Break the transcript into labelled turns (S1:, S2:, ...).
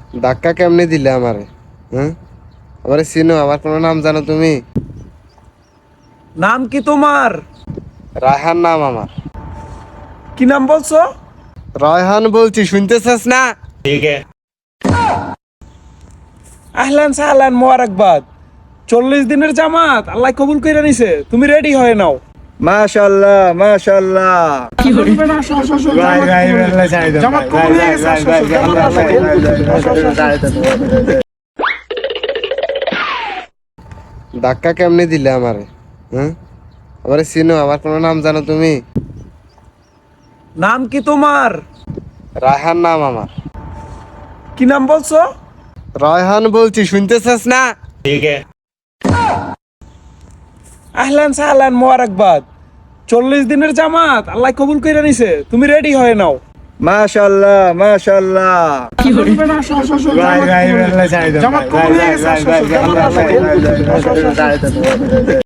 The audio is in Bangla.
S1: ধাক্কা কেমনে দিলে আমারে? হ্যাঁ, আমারে চিনো? আমার কোনো নাম জানো তুমি?
S2: নাম কি তোমার?
S1: রায়হান নাম আমার।
S2: কি নাম বলছো?
S1: রায়হান বলছি, শুনতেছস না?
S2: আহলান সাহলান মোবারকবাদ। 40 দিনের জামাত আল্লাহ কবুল কইরা নিছে, তুমি রেডি হয়ে নাও।
S1: মাশাআল্লাহ মাশাআল্লাহ।
S2: জামাত কবুল হয়ে গেছে, আসো, আসো, জামাত আল্লাহ কবুল করছে, আসো, আসো, আসো।
S1: ধাক্কা কেমনে দিলে আমারে? হ্যাঁ, আমারে চিনো? আমার কোনো নাম জানো তুমি?
S2: নাম কি তোমার?
S1: রায়হান নাম আমার।
S2: কি নাম বলছো?
S1: রায়হান বলছি, শুনতেছস না?
S2: আহলান সাহলান মোবারকবাদ। 40 দিনের জামাত আল্লাহ কবুল কইরা নিছে, তুমি রেডি হয়ে নাও।
S1: মাশাআল্লাহ মাশাআল্লাহ।
S2: আসো, আসো, আসো, জামাত কবুল হয়ে গেছে, আসো, আসো, জামাত আল্লাহ কবুল করছে, জামাত আল্লাহ কবুল করছে, আসো, আসো, আসো।